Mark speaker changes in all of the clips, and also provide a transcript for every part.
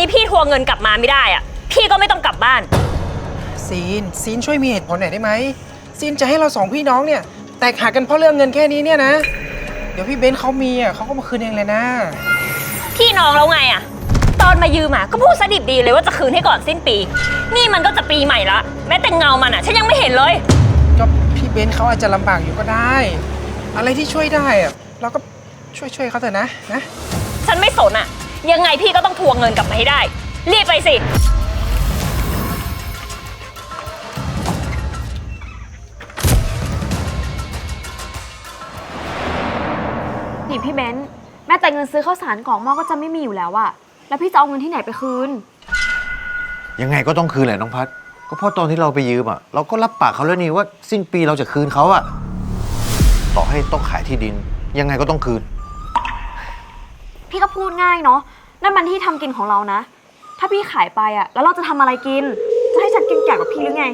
Speaker 1: นี้พี่ทวงเงินกลับมาไม่ได้อ่ะพี่ก็ไม่ต้องกลับบ้าน
Speaker 2: ซีนช่วยมีเหตุผลหน่อยได้ไหมซีนจะให้เราสองพี่น้องเนี่ยแตกหักกันเพราะเรื่องเงินแค่นี้เนี่ยนะเดี๋ยวพี่เบนซ์เขามีอ่ะเขาก็มาคืนเองเลยนะ
Speaker 1: พี่น้องแล้วไงอ่ะตอนมายืมอ่ะก็พูดสดิบดีเลยว่าจะคืนให้ก่อนสิ้นปีนี่มันก็จะปีใหม่ละแม้แต่เงามันอ่ะฉันยังไม่เห็นเลย
Speaker 2: ก็พี่เบนซ์เขาอาจจะลำบากอยู่ก็ได้อะไรที่ช่วยได้อ่ะเราก็ช่วยเขาเถอะนะ
Speaker 1: ฉันไม่สนอ่ะยังไงพี่ก็ต้องทวงเงินกลับมาให้ได้รีบไปสิ
Speaker 3: นี่พี่เบนซ์แม้แต่เงินซื้อข้าวสารกล่องหม้อก็จะไม่มีอยู่แล้วอะแล้วพี่จะเอาเงินที่ไหนไปคืน
Speaker 4: ยังไงก็ต้องคืนแหละน้องพัดก็เพราะตอนที่เราไปยืมอ่ะเราก็รับปากเขาแล้วนี่ว่าสิ้นปีเราจะคืนเขาอ่ะต่อให้ต้องขายที่ดินยังไงก็ต้องคืน
Speaker 3: พี่ก็พูดง่ายเนาะนั่นมันที่ทำกินของเรานะถ้าพี่ขายไปอะแล้วเราจะทำอะไรกินจะให้ฉันกินแก่กว่าพี่หรือไง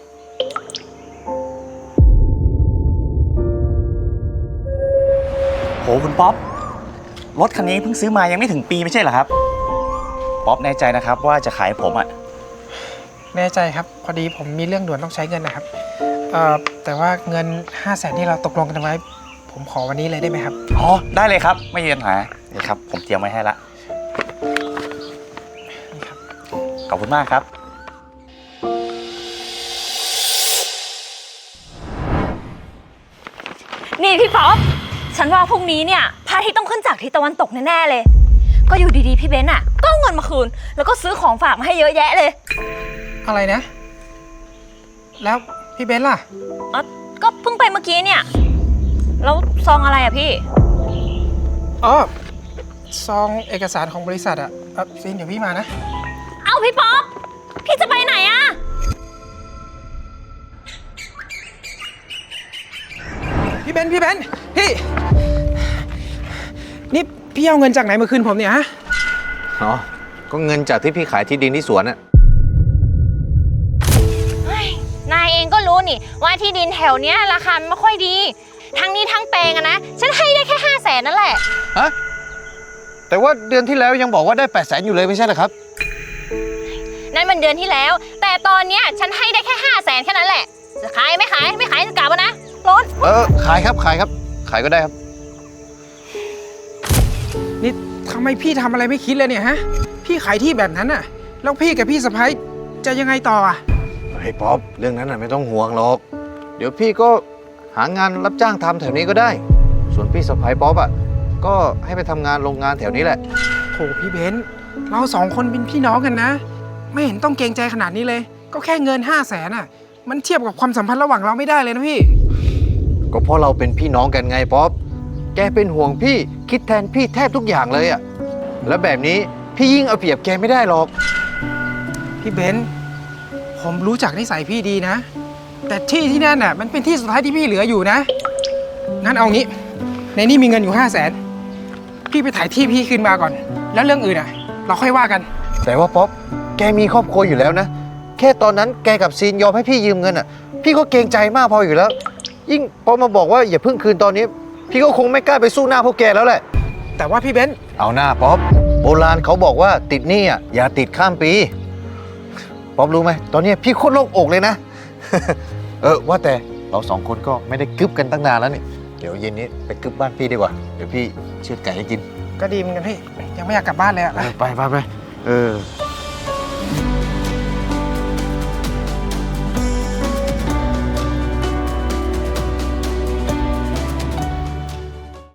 Speaker 5: โหคุณป๊อปรถคันนี้เพิ่งซื้อมายังไม่ถึงปีไม่ใช่เหรอครับป๊อปแน่ใจนะครับว่าจะขายผมอ่ะ
Speaker 2: แน่ใจครับพอดีผมมีเรื่องด่วนต้องใช้เงินนะครับแต่ว่าเงิน500,000ที่เราตกลงกันไว้ผมขอวันนี้เลยได้ไหมครับ
Speaker 5: อ๋อได้เลยครับไม่มีปัญหานี่ครับผมเตรียมไว้ให้ละ
Speaker 2: นี่ครับ
Speaker 5: ขอบคุณมากครับ
Speaker 1: นี่พี่ป๊อปฉันว่าพรุ่งนี้เนี่ยพระอาทิตย์ต้องขึ้นจากทิศตะวันตกแน่ๆเลยก็อยู่ดีๆพี่เบนซ์อ่ะก็เอาเงินมาคืนแล้วก็ซื้อของฝากมาให้เยอะแยะเลย
Speaker 2: อะไรนะแล้วพี่เบนซ์ล่ะ
Speaker 1: อ๋อก็เพิ่งไปเมื่อกี้เนี่ยแล้วซองอะไรอ่ะพี่
Speaker 2: อ๋อซองเอกสารของบริษัทอ่ะซีนเดี๋ยวพี่มานะ
Speaker 1: เอาพี่ป๊อปพี่จะไปไหนอ่ะ
Speaker 2: พี่เบนซ์พี่นี่พี่เอาเงินจากไหนมาคืนผมเนี่ยฮะ
Speaker 4: อ๋อก็เงินจากที่พี่ขายที่ดินที่สวนอ่ะ
Speaker 1: นายเองก็รู้นี่ว่าที่ดินแถวเนี้ยราคาไม่ค่อยดีทั้งนี้ทั้งแปลงอะนะฉันให้ได้แค่500,000นั่นแหละ
Speaker 4: ฮะแต่ว่าเดือนที่แล้วยังบอกว่าได้800,000อยู่เลยไม่ใช่เหรอครับ
Speaker 1: นั่นมันเดือนที่แล้วแต่ตอนเนี้ยฉันให้ได้แค่500,000แค่นั้นแหละจะขายไม่ขายจะกลับนะรถ
Speaker 4: ขายครับขายก็ได้ครับ
Speaker 2: นี่ทำไมพี่ทำอะไรไม่คิดเลยเนี่ยฮะพี่ขายที่แบบนั้นน่ะแล้วพี่กับพี่สะพ้ายจะยังไงต่ออ่ะ
Speaker 4: เฮ้ยป๊อปเรื่องนั้นน่ะไม่ต้องห่วงหรอกเดี๋ยวพี่ก็หางานรับจ้างทำแถวนี้ก็ได้ส่วนพี่สะพ้ายป๊อปอ่ะก็ให้ไปทำงานโรงงานแถวนี้แหละ
Speaker 2: โถพี่เบนซ์เราสองคนเป็นพี่น้องกันนะไม่เห็นต้องเกรงใจขนาดนี้เลยก็แค่เงิน500,000อ่ะมันเทียบกับความสัมพันธ์ระหว่างเราไม่ได้เลยนะพี่
Speaker 4: ก็เพราะเราเป็นพี่น้องกันไงป๊อปแกเป็นห่วงพี่คิดแทนพี่แทบทุกอย่างเลยอ่ะแล้วแบบนี้พี่ยิ่งเอาเปรียบแกไม่ได้หรอก
Speaker 2: พี่เบนซ์ผมรู้จักนิสัยพี่ดีนะแต่ที่นั่นน่ะมันเป็นที่สุดท้ายที่พี่เหลืออยู่นะงั้นเอางี้ในนี่มีเงินอยู่500,000พี่ไปถ่ายที่พี่คืนมาก่อนแล้วเรื่องอื่นอ่ะเราค่อยว่ากัน
Speaker 4: แต่ว่าป๊อปแกมีครอบครัวอยู่แล้วนะแค่ตอนนั้นแกกับซีนยอมให้พี่ยืมเงินอ่ะพี่ก็เกรงใจมากพออยู่แล้วยิ่งพอมาบอกว่าอย่าเพิ่งคืนตอนนี้พี่ก็คงไม่กล้าไปสู้หน้าพวกแกแล้วแหละ
Speaker 2: แต่ว่าพี่เบนซ์
Speaker 4: เอาหน้าป๊อปโบราณเขาบอกว่าติดหนี้อ่ะอย่าติดข้ามปีป๊อปรู้ไหมตอนนี้พี่โคตรโล่งอกเลยนะ ว่าแต่เราสองคนก็ไม่ได้กึบกันตั้งนานแล้วนี่เดี๋ยวเย็นนี้ไปกึบบ้านพี่ดีกว่าเดี๋ยวพี่เชือดไก่ให้กิน
Speaker 2: ก็ดีเหมือนกันพี่ยังไม่อยากกลับบ้านเลยอ่ะ
Speaker 4: ไป